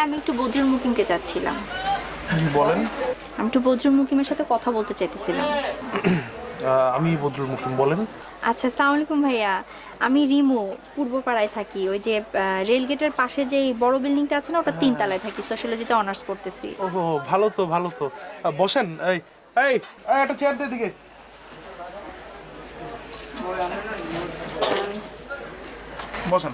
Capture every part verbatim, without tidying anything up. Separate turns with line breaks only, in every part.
আমি একটু বদরুল মুকিমকে চাচ্ছিলাম।
বলেন।
আমি একটু বদরুল মুকিমের সাথে কথা বলতে চাইতেছিলাম।
আমি বদরুল মুকিম, বলেন।
আচ্ছা, আসসালামু আলাইকুম ভাইয়া। আমি রিমু, পূর্বপাড়ায় থাকি। ওই যে রেলগেটের পাশে যে বড় বিল্ডিংটা আছে না, ওটা তিনতলায় থাকি। সোশ্যালজিতে অনার্স পড়তেছি।
ওহো, ভালো তো ভালো তো। বসেন। এই এই একটা চেয়ার দে দিকে। বসেন।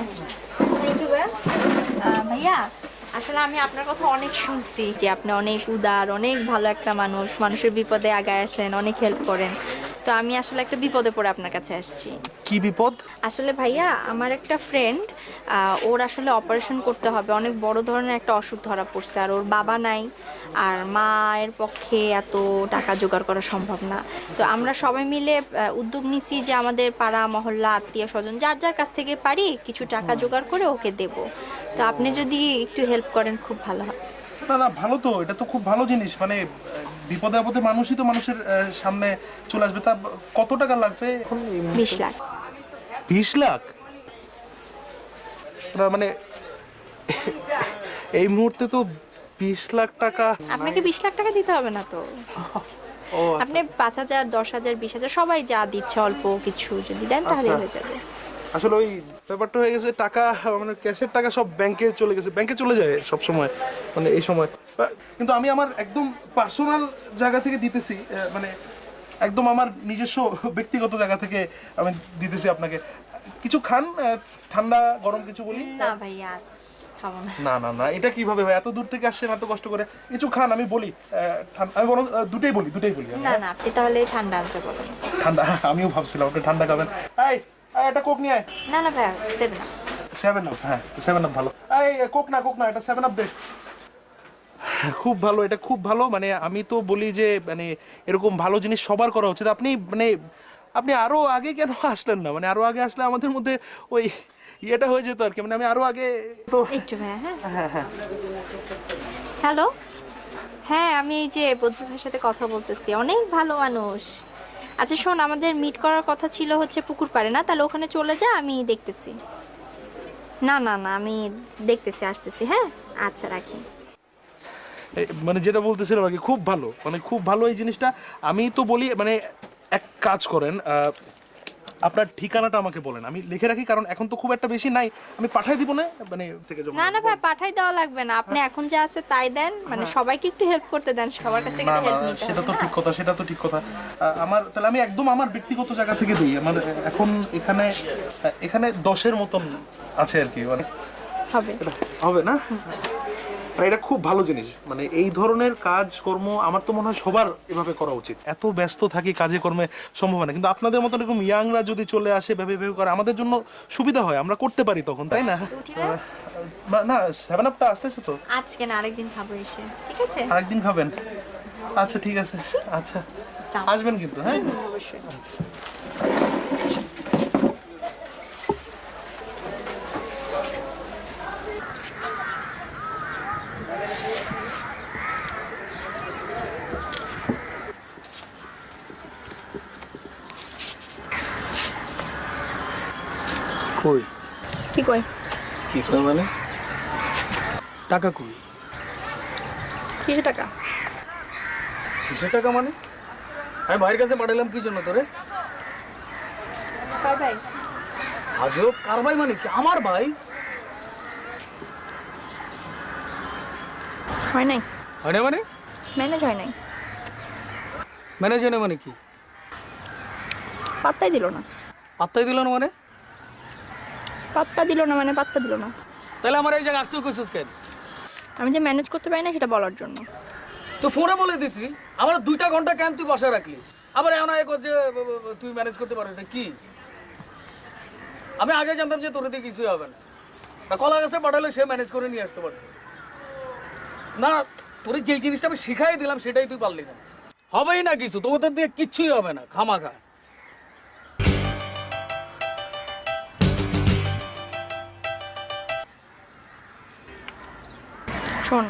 ভাইয়া, আসলে আমি আপনার কথা অনেক শুনছি যে আপনি অনেক উদার, অনেক ভালো একটা মানুষ, মানুষের বিপদে আগায় আসেন, অনেক হেল্প করেন। তো আমি আসলে একটা বিপদে পড়ে আপনার কাছে আসছি।
কি বিপদ?
আসলে ভাইয়া, আমার একটা ফ্রেন্ড, ওর আসলে অপারেশন করতে হবে, অনেক বড় ধরনের একটা অসুখ ধরা পড়ছে, আর ওর বাবা নাই, আর মায়ের পক্ষে এত টাকা জোগাড় করা সম্ভব না। তো আমরা সবাই মিলে উদ্যোগ নিছি যে আমাদের পাড়া মহল্লা আত্মীয় স্বজন যার যার কাছ থেকে পারি কিছু টাকা জোগাড় করে ওকে দেব। তো আপনি যদি একটু হেল্প করেন খুব ভালো হয়।
না না, ভালো তো, এটা তো খুব ভালো জিনিস। মানে বিপদে আপদে মানুষই তো মানুষের সামনে চলে আসবে। তা কত টাকা লাগবে?
বিশ লাখ।
বিশ লাখ? মানে এই মুহূর্তে তো বিশ লাখ টাকা।
আপনাকে বিশ লাখ টাকা দিতে হবে না তো। আপনি পাঁচ হাজার, দশ হাজার, বিশ হাজার, সবাই যা দিচ্ছে অল্প কিছু যদি দেন তাহলে হয়ে যাবে।
আসলে ওই ব্যাপারটা হয়ে গেছে, টাকা মানে ক্যাশের টাকা সব ব্যাংকে চলে গেছে, ব্যাংকে চলে যায় সব সময়, মানে এই সময়। কিন্তু আমি আমার একদম পার্সোনাল জায়গা থেকে দিতেছি, মানে একদম আমার নিজস্ব ব্যক্তিগত জায়গা থেকে আমি দিতেছি আপনাকে। কিছু খান, ঠান্ডা গরম কিছু বলি।
না ভাইয়া, খাবো না।
না না না, এটা কিভাবে ভাই? এত দূর থেকে আসছেন এত কষ্ট করে, কিছু খান। আমি বলি, আমি বরং দুটোই বলি, দুটোই বলি।
না না, আপনি তাহলে ঠান্ডা আনতে বলেন।
ঠান্ডা? আমিও ভাবছিলাম আপনি ঠান্ডা খাবেন। এই একটা কোক নিয়ে আয়।
না না ভাইয়া, সেভেন আপ।
Seven up? হ্যাঁ, সেভেন আপ ভালো। এই কোক না, কোক না, এটা সেভেন আপ দে। খুব ভালো, এটা খুব ভালো। মানে আমি তো বলি যে মানে এরকম ভালো জিনিস সবার করা উচিত। আপনি মানে আপনি আরো আগে কেন আসলেন না? মানে আরো আগে আসলে আমাদের মধ্যে ওই ইয়েটা হয়ে যেত আর কি। মানে আমি আরো আগে তো
একটু ভাইয়া। হ্যাঁ
হ্যাঁ হ্যাঁ।
হ্যালো, হ্যাঁ আমি এই যে বদরুলের সাথে কথা বলতেছি, অনেক ভালো মানুষ। আচ্ছা শোন, আমাদের মিট করার কথা ছিল হচ্ছে পুকুর পাড়ে, না তাহলে ওখানে চলে যা, আমি দেখতেছি। না না না, আমি দেখতেছি, আসতেছি। হ্যাঁ আচ্ছা, রাখি।
মানে যেটা বলতেছিলাম আর কি, খুব ভালো, মানে খুব ভালো এই জিনিসটা। আমি তো বলি মানে এক কাজ করেন, আপনার ঠিকানাটা আমাকে বলেন, আমি লিখে রাখি, কারণ এখন তো খুব একটা বেশি নাই, আমি পাঠাই দিব না মানে থেকে।
না না ভাই, পাঠাই দেওয়া লাগবে না, আপনি এখন যা আছে তাই দেন। মানে সবাইকে একটু হেল্প করতে দেন, সবার কাছ থেকে হেল্প নিতে হবে।
সেটা তো ঠিক কথা, সেটা তো ঠিক কথা। আমার তাহলে আমি একদম আমার ব্যক্তিগত জায়গা থেকে দিই। আমার এখন এখানে এখানে দশের মতন আছে আর কি। মানে
হবে
হবে না? এটা খুব ভালো জিনিস। মানে এই ধরনের কাজ কর্ম আমার তো মনে হয় সবার এভাবে করা উচিত। এত ব্যস্ত থাকি কাজে কর্মে, সম্ভব না। কিন্তু আপনাদের মতো এরকম ইয়াংরা যদি চলে আসে, ভেবে ভেবে করে, আমাদের জন্য সুবিধা হয়, আমরা করতে পারি তখন, তাই না? না, সেভেন আপটা আসতেছে তো।
আজকে না, আরেকদিন খাবো এসে। ঠিক আছে,
আরেকদিন খাবেন? আচ্ছা ঠিক আছে। আচ্ছা আসবেন কিন্তু। হ্যাঁ
অবশ্যই।
আচ্ছা।
কই?
কি কই?
কি কই মানে? টাকা কই?
কিসের টাকা?
কিসের টাকা মানে? আমি ভাইয়ের কাছে পাঠালাম কি জন্য তোরে?
কার ভাই?
আজব, কার ভাই মানে কি? আমার ভাই।
হয় নাই।
হয় না মানে?
ম্যানেজ হয় নাই।
ম্যানেজ হয় না মানে কি?
পাত্তাই দিল না।
পাত্তাই দিল না মানে?
পাত্তা দিল না মানে পাত্তা দিল না।
তাহলে আমার এই জায়গায় আসতেও কইছিস কেন?
আমি যে ম্যানেজ করতে পারি না সেটা বলার জন্য।
তো ফোনে বলে দিতি, আমার দুইটা ঘন্টা কেন তুই বসে রাখলি? আবার এমন এক যে তুই ম্যানেজ করতে পারিস না কি? আমি আগে জানতাম যে তোর দিয়ে কিছুই হবে না। কলা গাছে পাঠালে সে ম্যানেজ করে নিয়ে আসতে পারত না। তোর যে জিনিসটা আমি শিখাই দিলাম সেটাই তুই পারলি না। হবেই না কিছু, তোদের দিয়ে কিচ্ছুই হবে না, খামাখা।
শোন,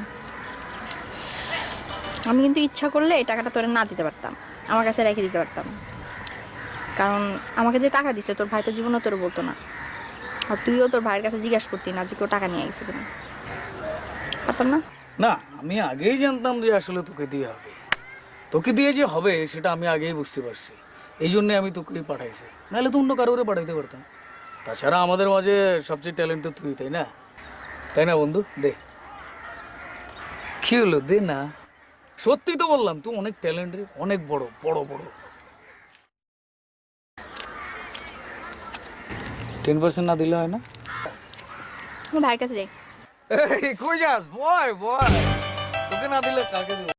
আমি কিন্তু ইচ্ছা করলে এই টাকাটা তোরে না দিতে পারতাম, আমার কাছে রেখে দিতে পারতাম। কারণ আমাকে যে টাকা দিচ্ছে তোর ভাই তো জীবনও তোর বলতো না, আর তুইও তোর ভাইয়ের কাছে জিজ্ঞাসা করতি না যে কেউ টাকা নিয়ে গেছে কিনা। পারতাম না?
না, আমি আগেই জানতাম যে আসলে তোকে দিয়ে হবে। তোকে দিয়ে যে হবে সেটা আমি আগেই বুঝতে পারছি, এই জন্যে আমি তোকে পাঠাইছি, নাহলে তো অন্য কারোরে পাঠাইতে পারতাম। তাছাড়া আমাদের মাঝে সবচেয়ে ট্যালেন্ট তো তুই, তাই না? তাই না বন্ধু? দে। কি হলো, দে না। সত্যি তো বললাম, তুই অনেক ট্যালেন্ট রে, অনেক বড় বড় বড়। টেন পার্সেন্ট না দিলে হয় না?
আমি ভাইয়ের কাছে যাই।
এই কই যাস? বয় বয়, তোকে না দিলে কাকে দেবো?